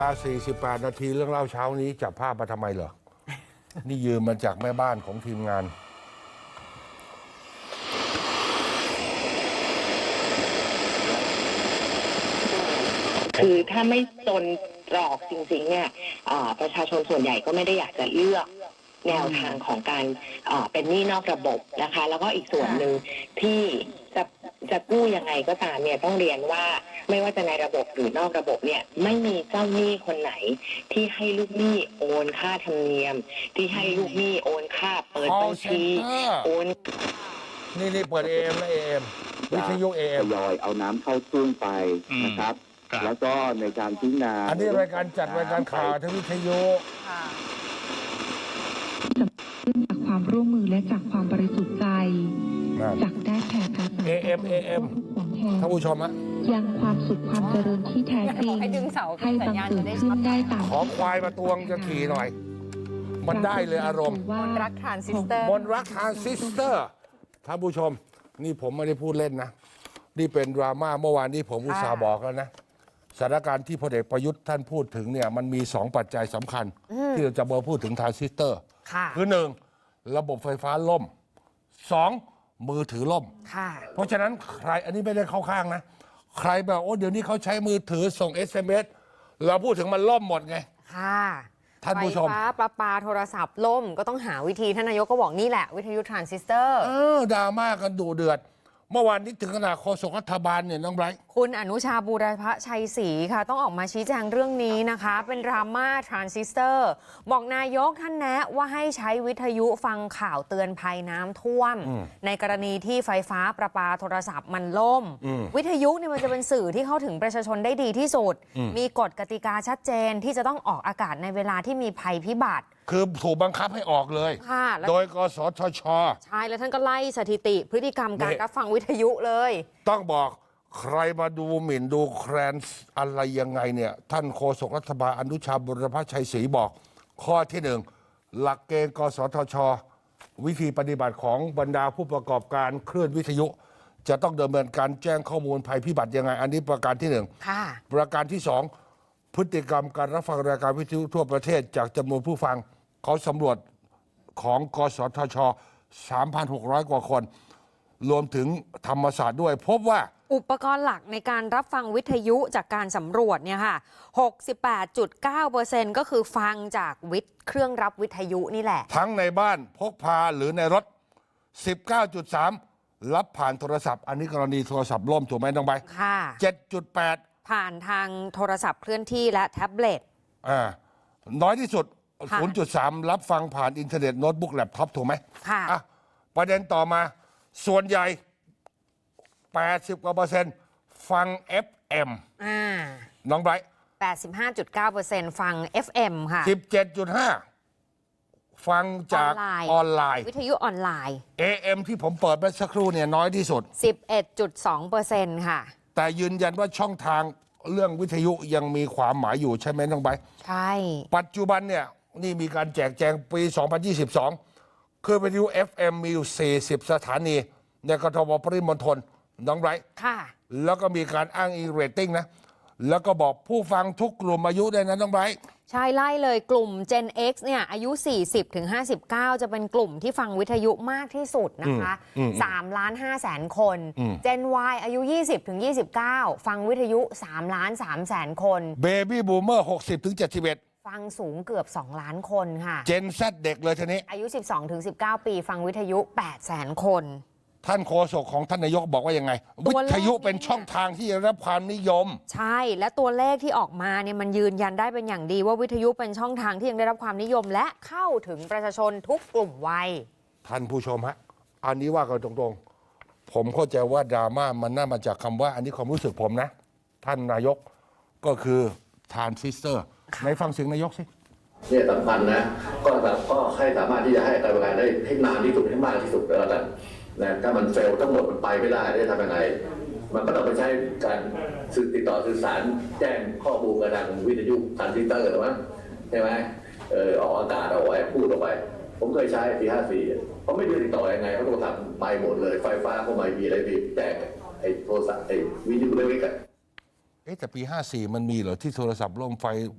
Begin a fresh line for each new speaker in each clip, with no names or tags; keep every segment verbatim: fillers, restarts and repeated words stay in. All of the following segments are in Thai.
สี่สิบแปดนาทีเรื่องเล่าเช้านี้จับภาพมาทำไมเหรอ นี่ยืมมาจากแม่บ้านของทีมงาน
คือถ้าไม่จนตรอกจริงๆเนี่ยประชาชนส่วนใหญ่ก็ไม่ได้อยากจะเลือกแนวทางของการเป็นหนี้นอกระบบนะคะแล้วก็อีกส่วนหนึ่งที่จะจะกู้ยังไงก็ตามเนี่ยต้องเรียนว่าไม่ว่าจะในระบบหรือนอกระบบเนี่ยไม่มีเจ้าหนี้คนไหนที่ให้ลูกหนี้โอนค่าธรรมเนียมที่ให้ลูกหนี้โอนค่าเปิดบัญชีโอน
นี่นี่เปิดเอเอ็มและเอเอ็มวิทยุเอเอ็ม
ทยอยเอาน้ำเข้าทุ่งไปนะครับแล้วก็ในการพิจารณา
อันนี้รายการจัดรายการข่าวทางวิทยุ
จากความร่วมมือและจากความบริสุทธิ์ใจจากได้แผ่การ
เอ เอ็ม เอ เอ็ม ท่านผู้ชมฮะ
ยังความสุขความเจริญที่แท้จริงให้บังเกิดขึ้นได้ตาม
ขอควายมาตวงจะขี่หน่อยมันได้เลยอารมณ์
มนรักทรานซิสเตอร์
มนรักทรานซิสเตอร์ท่านผู้ชมนี่ผมไม่ได้พูดเล่นนะนี่เป็นดราม่าเมื่อวานนี้ผมอุตส่าห์บอกแล้วนะสถานการณ์ที่พลเอกประยุทธ์ท่านพูดถึงเนี่ยมันมีสองปัจจัยสำคัญที่เราจะมาพูดถึงทรานซิสเตอร์คือหนึ่งระบบไฟฟ้าล่มสองมือถือล่มเพราะฉะนั้นใครอันนี้ไม่ได้เข้าข้างนะใครแบบโอ้เดี๋ยวนี้เขาใช้มือถือส่ง เอส เอ็ม เอส เราพูดถึงมันล่มหมดไง
ค่ะ
ท่านผู้ชม
ไฟฟ้าประปาโทรศัพท์ล่มก็ต้องหาวิธีท่านนายกก็บอกนี่แหละวิทยุทรานซิสเตอร์
เออดราม่ากันดุเดือดเมื่อวานนี้ถึงขนาดโฆษกรัฐบาลเนี่ยน้องไบรท์
คุณอนุชาบูรพชัยศรีค่ะต้องออกมาชี้แจงเรื่องนี้นะคะเป็นดราม่าทรานซิสเตอร์บอกนายกท่านแนะว่าให้ใช้วิทยุฟังข่าวเตือนภัยน้ำท่วมในกรณีที่ไฟฟ้าประปาโทรศัพท์มันล่มวิทยุเนี่ยมันจะเป็นสื่อที่เข้าถึงประชาชนได้ดีที่สุดมีกฎกติกาชัดเจนที่จะต้องออกอากาศในเวลาที่มีภัยพิบัติ
คือถูกบังคับให้ออกเลยโดยกสทช.
ใช่แล้วท่านก็ไล่สถิติพฤติกรรมการรับฟังวิทยุเลย
ต้องบอกใครมาดูหมิ่นดูแคลนอะไรยังไงเนี่ยท่านโฆษกรัฐบาลอนุชาบุรพชัยศรีบอกข้อที่หนึ่งหลักเกณฑ์กสทช.วิธีปฏิบัติของบรรดาผู้ประกอบการคลื่นวิทยุจะต้องดำเนินการแจ้งข้อมูลภัยพิบัติยังไงอันนี้ประการที่หนึ่งประการที่สองพฤติกรรมการรับฟังรายการวิทยุทั่วประเทศจากจำนวนผู้ฟังเขาสำรวจของกสทช สามพันหกร้อย กว่าคนรวมถึงธรรมศาสตร์ด้วยพบว่า
อุปกรณ์หลักในการรับฟังวิทยุจากการสำรวจเนี่ยค่ะ หกสิบแปดจุดเก้าเปอร์เซ็นต์ ก็คือฟังจากวิทเครื่องรับวิทยุนี่แหละ
ทั้งในบ้านพกพาหรือในรถ สิบเก้าจุดสาม รับผ่านโทรศัพท์อันนี้กรณีโทรศัพท์ล่มถูกไหมน้องใบ
ค่ะ
เจ็ดจุดแปด
ผ่านทางโทรศัพท์เคลื่อนที่และแท็บเล็ต
อ่าน้อยที่สุด ศูนย์จุดสาม รับฟังผ่านอินเทอร์เน็ตโน้ตบุ๊กแล็ปท็อปถูกไหม
ค่ะ
อ่ะประเด็นต่อมาส่วนใหญ่แปดสิบกว่าเปอร์เซ็นต์ฟัง เอฟ เอ็ม
อ่า
น้องไบรท์
แปดสิบห้าจุดเก้าเปอร์เซ็นต์ ฟัง เอฟ เอ็ม ค่ะ
สิบเจ็ดจุดห้า ฟังจากออนไลน์
วิทยุออนไลน์
เอ เอ็ม ที่ผมเปิดไปสักครู่เนี่ยน้อยที่สุด
สิบเอ็ดจุดสองเปอร์เซ็นต์ ค่ะ
แต่ยืนยันว่าช่องทางเรื่องวิทยุยังมีความหมายอยู่ใช่ไหมน้องไบรท์
ใช่
ปัจจุบันเนี่ยนี่มีการแจกแจงปี สองพันยี่สิบสอง คือวิทยุ เอฟ เอ็ม มีอยู่ สี่สิบ สถานีในกทมปริมณฑลน้องไบรท์
ค่ะ
แล้วก็มีการอ้างอิงเรตติ้งนะแล้วก็บอกผู้ฟังทุกกลุ่มอายุได้นะน้องไบรท์
ใช่ไล่เลยกลุ่ม Gen X เนี่ยอายุ สี่สิบถึงห้าสิบเก้า จะเป็นกลุ่มที่ฟังวิทยุมากที่สุดนะคะสามล้านห้าแสนคน Gen Y อายุ ยี่สิบถึงยี่สิบเก้า ฟังวิทยุสามล้านสามแสนคน
Baby Boomer หกสิบถึงเจ็ดสิบเอ็ด
ฟังสูงเกือบสองล้านคนค่ะ
Gen Z เด็กเลยทีนี้
อายุ สิบสองถึงสิบเก้า ปีฟังวิทยุแปดแสนคน
ท่านโฆษกของท่านนายกบอกว่ายังไงวิทยุเป็นช่องทางที่ได้รับความนิยม
ใช่และตัวเลขที่ออกมาเนี่ยมันยืนยันได้เป็นอย่างดีว่าวิทยุเป็นช่องทางที่ยังได้รับความนิยมและเข้าถึงประชาชนทุกกลุ่มวัย
ท่านผู้ชมฮะอันนี้ว่ากันตรงๆผมเข้าใจว่าดราม่ามันน่ามาจากคำว่าอันนี้ความรู้สึกผมนะท่านนายกก็คือทรานซิสเตอร์ในฟังเสียงนายกสิ
เนี่ยสำคัญนะก็แบบก็ให้สามารถที่จะให้การบริการได้ให้นานที่สุดให้มากที่สุดแล้วกันนะถ้ามันเฟลทั้งหมดมันไปไม่ได้ได้ทำยังไงมันก็ต้องไปใช้การสื่อติดต่อสื่อสารแจ้งข้อมูลกับทางวิทยุทรานซิสเตอร์หรือมั้งใช่ไหมเออออกอากาศเอาไว้พูดออกไปผมเคยใช้ปีห้าสี่เขาไม่รู้ติดต่อยังไงเขาโทรศัพท์ไปหมดเลยไฟฟ้าเขาไม่มีอะไรมีแจ้งไอ้โทรศัพท์ไอ้วิทยุเล็กๆกัน
เอ๊ะแต่ปีห้าสี่มันมีเหรอที่โทรศัพท์ล่มไฟ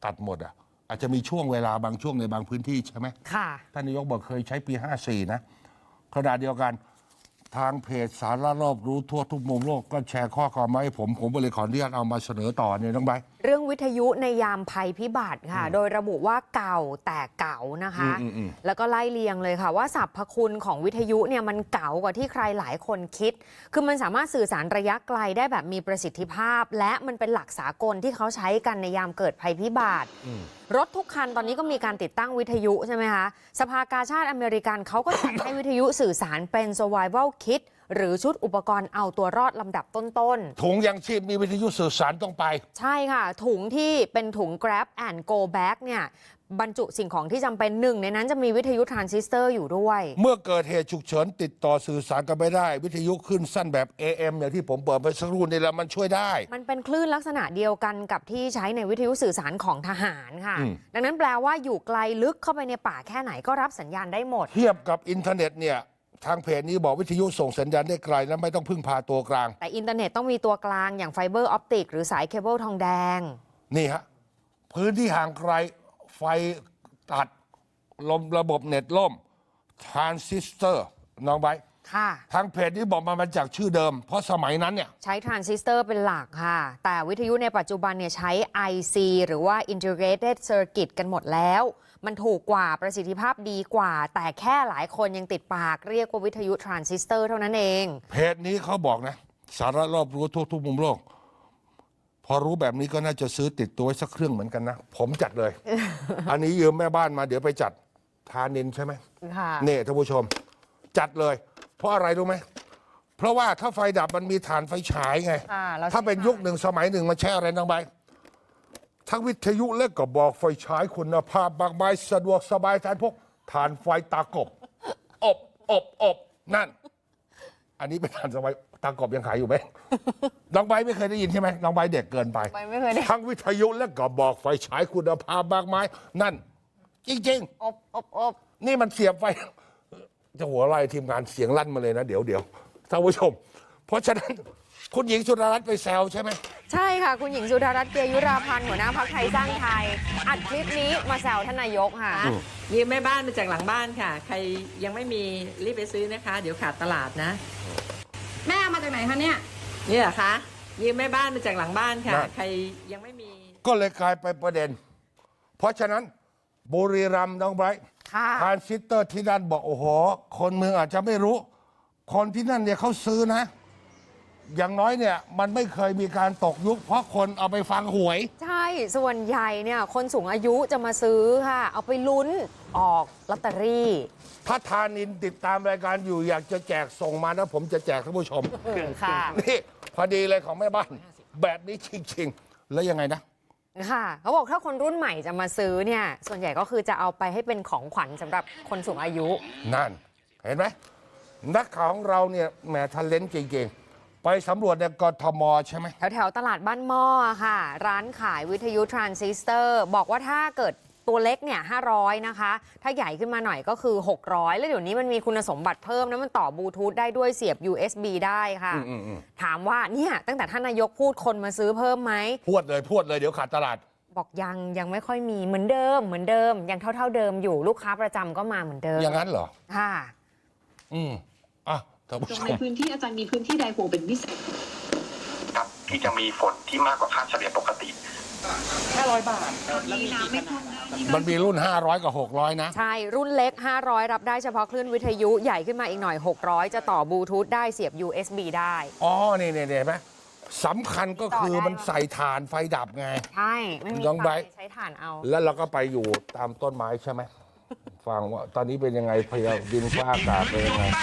ตัดหมดอ่ะอาจจะมีช่วงเวลาบางช่วงในบางพื้นที่ใช่ไหม
ค่ะ
ท่านนายกบอกเคยใช้ปีห้าสี่นะขณะเดียวกันทางเพจสาระรอบรู้ทั่วทุกมุมโลกก็แชร์ข้อความมาให้ผมผมก็เลยขออนุญาตเอามาเสนอต่อเนี่ยน้องใบ
เรื่องวิทยุในยามภัยพิบัติค่ะ โดยระบุว่าเก่าแต่เก่านะคะ
อืมอืมอืม
แล้วก็ไล่เลียงเลยค่ะว่าสรรพคุณของวิทยุเนี่ยมันเก่ากว่าที่ใครหลายคนคิด คือมันสามารถสื่อสารระยะไกลได้แบบมีประสิทธิภาพ และมันเป็นหลักสากลที่เขาใช้กันในยามเกิดภัยพิบัติ รถทุกคันตอนนี้ก็มีการติดตั้งวิทยุใช่ไหมคะ สภากาชาติอเมริกันเขาก็จัด ให้วิทยุสื่อสารเป็น survival kit หรือชุดอุปกรณ์เอาตัวรอดลำดับต้นๆ
ถุงยังชีพมีวิทยุสื่อสารต้องไป
ใช่ค่ะ ถุงที่เป็นถุง Grab and Go Bag เนี่ยบรรจุสิ่งของที่จำเป็นหนึ่งในนั้นจะมีวิทยุทรานซิสเตอร์อยู่ด้วย
เมื่อเกิดเหตุฉุกเฉินติดต่อสื่อสารกันไม่ได้ วิทยุขึ้นสั้นแบบ เอ เอ็ม อย่างที่ผมเปิดไปสักครู่นี่แหละมันช่วยได้
มันเป็นคลื่นลักษณะเดียวกันกับที่ใช้ในวิทยุสื่อสารของทหารค่ะ
อืม
ดังนั้นแปลว่าอยู่ไกลลึกเข้าไปในป่าแค่ไหนก็รับสัญญาณได้หมด
เทียบกับอินเทอร์เน็ตเนี่ยทางเพจนี้บอกวิทยุส่งสัญญาณได้ไกลและไม่ต้องพึ่งพาตัวกลาง
แต่อินเทอร์เน็ตต้องมีตัวกลางอย่างไฟเบอร์ออปติกหรือสายเคเบิลทองแดง
นี่ฮะพื้นที่ห่างไกลไฟตัดลมระบบเน็ตล่มทรานซิสเตอร์น้องไบร์ท
ค่ะ
ทางเพจนี้บอกมามาจากชื่อเดิม เพราะสมัยนั้นเนี่ย
ใช้ทรานซิสเตอร์เป็นหลักค่ะ แต่วิทยุในปัจจุบันเนี่ยใช้ ไอ ซี หรือว่า Integrated Circuit กันหมดแล้ว มันถูกกว่าประสิทธิภาพดีกว่า แต่แค่หลายคนยังติดปากเรียกว่าวิทยุทรานซิสเตอร์เท่านั้นเอง
เพจนี้เขาบอกนะ สาระรอบรู้ทั่วทุกมุมโลก พอรู้แบบนี้ก็น่าจะซื้อติดตัวไว้สักเครื่องเหมือนกันนะ ผมจัดเลย อันนี้ยืมแม่บ้านมาเดี๋ยวไปจัดทานินใช่ไหม
ค่ะ
นี่ท่านผู้ชม จัดเลย เพราะอะไรรู้ไหม เพราะว่าถ้าไฟดับมันมีฐานไฟฉายไง
ค่ะแล้ว
ถ้าเป็นยุคหนึ่งสมัยหนึ่งมันใช้อะไรน้องใบทั้งวิทยุและก็บอกไฟฉายคุณภาพบางใบสะดวกสบายแทนพวกฐานไฟตากบ อบอบอบนั่น อันนี้เป็นฐานสมัยตากบยังขายอยู่ไหม น้องใบไม่เคยได้ยินใช่ไหมน้องใบเด็กเกินไป
ไปไม่เคยได้
ทั้งวิทยุและก็บอกไฟฉายคุณภาพบางไม้นั่น จริง ๆ
อบอบอบ
นี่มันเสียบไฟ จะหัวไล่ทีมงานเสียงลั่นมาเลยนะ เดี๋ยวเดี๋ยวท่านผู้ชม เพราะฉะนั้นคุณหญิงสุดารัตน์ไปแซวใช่ไหม
ใช่ค่ะ คุณหญิงสุดารัตน์เกยุราพันธ์หัวหน้าพรรคไทยสร้างไทย อัดคลิปนี้มาแซวท่านนายกค่ะ
ยืมแม่บ้านมาจากหลังบ้านค่ะ ใครยังไม่มีรีบไปซื้อนะคะ เดี๋ยวขาดตลาดนะ
แม่เอามาจากไหนคะเนี่ย
นี่เหรอคะยืมแม่บ้านมาจากหลังบ้านค่ะ ใครยังไม่มี
ก็เลยกลายไปนประเด็น เพราะฉะนั้นบุรีรัมย์น้องไบรท์
ค่ะ
ทรานซิสเตอร์ที่นั่นบอกโอ้โห คนเมืองอาจจะไม่รู้ คนที่นั่นเนี่ยเขาซื้อนะ อย่างน้อยเนี่ยมันไม่เคยมีการตกยุค เพราะคนเอาไปฟังหวย
ใช่ ส่วนใหญ่เนี่ยคนสูงอายุจะมาซื้อค่ะ เอาไปลุ้นออกลอตเตอรี่
ถ้าทานินติดตามรายการอยู่อยากจะแจกส่งมานะ ผมจะแจกท่านผู้ชม
ค่ะ
นี่พอดีเลยของแม่บ้าน แบบนี้จริงๆ แล้วยังไงนะ
ค่ะเขาบอกถ้าคนรุ่นใหม่จะมาซื้อเนี่ย ส่วนใหญ่ก็คือจะเอาไปให้เป็นของขวัญสำหรับคนสูงอายุ
นั่น เห็นไหมนักข่าวของเราเนี่ยแหมทันเลนจริงๆ ไปสำรวจในกทมใช่ไหม
แถวแถวๆตลาดบ้านหม้อค่ะ ร้านขายวิทยุทรานซิสเตอร์ บอกว่าถ้าเกิดตัวเล็กเนี่ยห้าร้อยนะคะ ถ้าใหญ่ขึ้นมาหน่อยก็คือหกร้อยแล้วเดี๋ยวนี้มันมีคุณสมบัติเพิ่มนะมันต่อบลูทูธได้ด้วยเสียบ ยู เอส บี ได้ค่ะ
อืมอืม
ถามว่าเนี่ยตั้งแต่ท่านนายกพูดคนมาซื้อเพิ่มไหม
พวดเลยพวดเลยเดี๋ยวขาดตลาด
บอกยังยังไม่ค่อยมีเหมือนเดิมเหมือนเดิมยังเท่าเท่าๆเดิมอยู่ลูกค้าประจำก็มาเหมือนเดิม
อย่างนั้นเหรอ
ค่ะ
อืมอ่ะท่านผู้
ตรง
ช
ใน
ม
พื้นที่อาจารย์มีพื้นที่ใดห่วงเป็นพิเศษ
ครับที่จะมีฝนที่มากกว่าค่าเฉลี่ยปกติ
ห้าร้อยบาท
มีน้ำไม่ท่วมได้
มันมีรุ่น ห้าร้อย กับ หกร้อย นะ
ใช่ รุ่นเล็ก ห้าร้อย รับได้เฉพาะคลื่นวิทยุใหญ่ขึ้นมาอีกหน่อย หกร้อย จะต่อบลูทูธได้เสียบ ยู เอส บี ได้
อ๋อ นี่นี่เห็นไหมสำคัญก็คือมันใส่ถ่านไฟดับไง
ใช่ ไม่มี
น้อง
ไฟ
ไบร์ท
ใช้ถ่านเอา
แล้วเราก็ไปอยู่ตามต้นไม้ใช่ไหม ฟังว่าตอนนี้เป็นยังไงพยาดินฟ้าอากาศเป็นยังไง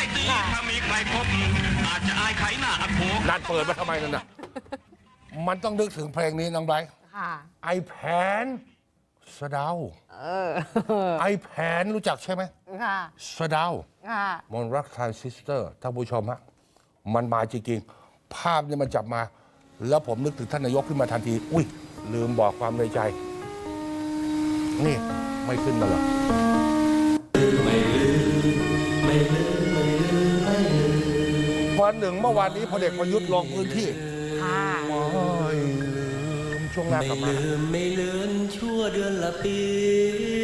นัดเปิดมาทำไมนั่นน่ะ มันต้องนึกถึงเพลงนี้น้องไบร์ท
ค่ะ
ไอแผนสะเดา
เออ
ไอแผนรู้จักใช่ไหม
ค่ะ
สะเดา
ค่ะ
มนรักทรานซิสเตอร์ท่านผู้ชมฮะมันมาจริงๆ ภาพเนี่ยมันจับมา แล้วผมนึกถึงท่านนายกขึ้นมาทันที อุ้ย ลืมบอกความในใจ นี่ ไม่ขึ้นมาหรอกวันหนึ่งเมื่อวานนี้พลเอกประยุทธ์ลงพื้นที่
ค่ะ
ไม่ลืมชช่วงหน้ากลับมา
ไม่ลืมไม่เลือนชั่วเดือนละปี